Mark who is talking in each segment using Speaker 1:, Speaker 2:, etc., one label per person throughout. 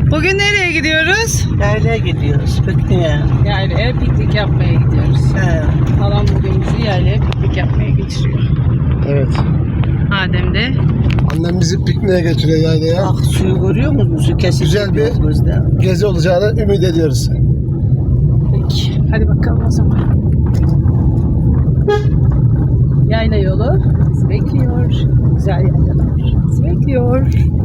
Speaker 1: Bugün nereye gidiyoruz?
Speaker 2: Yaylaya gidiyoruz pikniğe.
Speaker 1: Yaylaya piknik yapmaya gidiyoruz.
Speaker 2: He.
Speaker 1: Halam bugün bizi yaylaya piknik yapmaya götürüyor.
Speaker 3: Evet.
Speaker 1: Adem de.
Speaker 3: Annem bizi pikniğe götürüyor yaylaya.
Speaker 2: Bak suyu görüyor musun? Su kesin.
Speaker 3: Güzel bir
Speaker 2: gözde.
Speaker 3: gezi olacağını ümit ediyoruz.
Speaker 1: Peki. Hadi bakalım o zaman. Yayla yolu bizi bekliyor. Güzel yaylalar bizi bekliyor.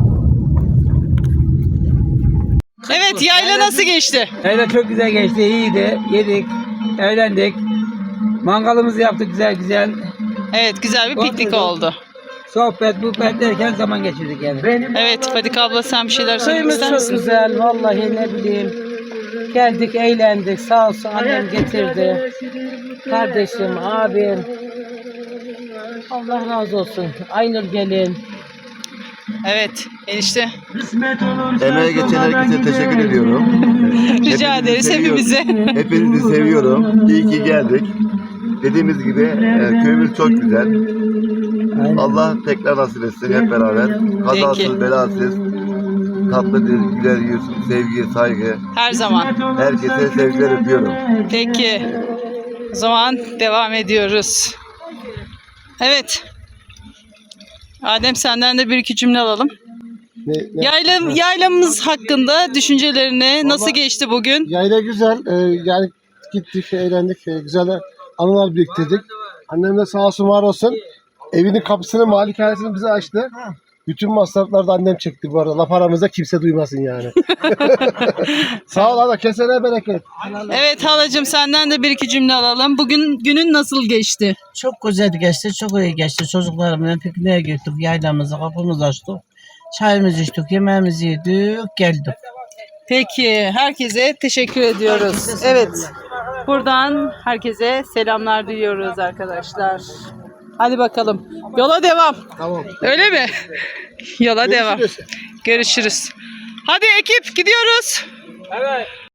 Speaker 1: Evet, yayla nasıl geçti?
Speaker 4: Yayla çok güzel geçti, iyiydi. Yedik, eğlendik. Mangalımızı yaptık güzel güzel.
Speaker 1: Evet, güzel bir piknik
Speaker 4: Oturduk.
Speaker 1: oldu.
Speaker 4: Sohbet, muhabbet derken zaman geçirdik yani.
Speaker 1: Evet, Fadik abla sen bir şeyler söylemek
Speaker 2: Suyumuz
Speaker 1: ister
Speaker 2: çok
Speaker 1: misin?
Speaker 2: güzel. Vallahi ne bileyim. Geldik, eğlendik. Sağ olsun annem getirdi. Kardeşim, abim. Allah razı olsun. Aynur gelin.
Speaker 1: Evet, enişte.
Speaker 5: Emeğe geçen herkese teşekkür ediyorum.
Speaker 1: Rica ederiz hepimize.
Speaker 5: Hepinizi seviyorum. İyi ki geldik. Dediğimiz gibi köyümüz çok güzel. Allah tekrar nasip etsin hep beraber. Kazasız,
Speaker 1: Peki.
Speaker 5: belasız, tatlı dil, güler yüz, sevgi, saygı.
Speaker 1: Her zaman.
Speaker 5: Herkese sevgiler öpüyorum.
Speaker 1: Peki. O zaman devam ediyoruz. Evet. Adem senden de bir iki cümle alalım. Yaylamız hakkında düşüncelerini nasıl geçti bugün?
Speaker 3: Yayla güzel. Yani gittik, eğlendik. Güzel anılar biriktirdik. Annem de sağ olsun var olsun. Evinin kapısını, malikanesini bize açtı. Bütün masrafları da annem çekti bu arada. Laf aramızda kimse duymasın yani. Sağ ol ana. Kesene bereket.
Speaker 1: Evet halacığım senden de bir iki cümle alalım. Bugün günün nasıl geçti?
Speaker 2: Çok güzel geçti. Çok iyi geçti. Çocuklarımla pikniğe gittik. Yaylamızı, kapımızı açtık. Çayımızı içtik, yemeğimizi yedik, geldik.
Speaker 1: Peki herkese teşekkür ediyoruz. Evet. Buradan herkese selamlar diliyoruz arkadaşlar. Hadi bakalım. Yola devam.
Speaker 3: Tamam.
Speaker 1: Öyle mi? Yola devam.
Speaker 3: Görüşürüz.
Speaker 1: Görüşürüz. Hadi ekip gidiyoruz.
Speaker 4: Evet.